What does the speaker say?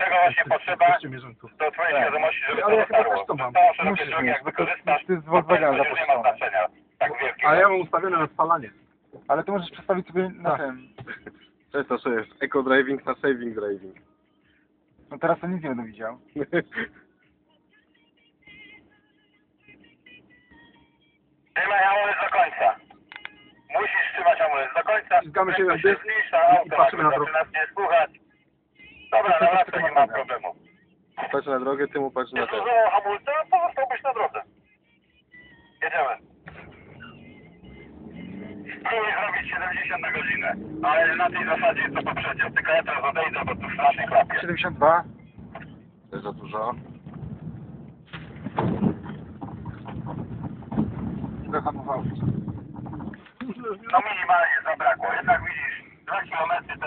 Tego właśnie potrzeba do twojej świadomości, żeby to dotarło. Całą szerokość drogi jak wykorzystasz, to jest z to Volkswagena już nie ma znaczenia. Tak wielkiego. Ale ja mam ustawione na spalanie. Ale to możesz przestawić sobie na tym. To jest eco driving na saving driving. No teraz to nic nie będę widział. Trzymaj hamulec do końca. Musisz trzymać hamulec do końca. Ściskamy się na Prędkość dysk zmniejsza, i auto patrzymy na zaczyna drogę. nie słuchać. Dobra, na latce nie ma problemu. Patrz na drogę, ty mu patrz na Nie ten. zużyło hamulca, pozostałbyś na drodze. Jedziemy. Spróbuj zrobić 70 na godzinę, ale na tej zasadzie co poprzednio. Tylko ja teraz odejdę, bo tu strasznie chlapie. 72. To jest za dużo. Zahamował. No minimalnie zabrakło. Jednak widzisz, 2 km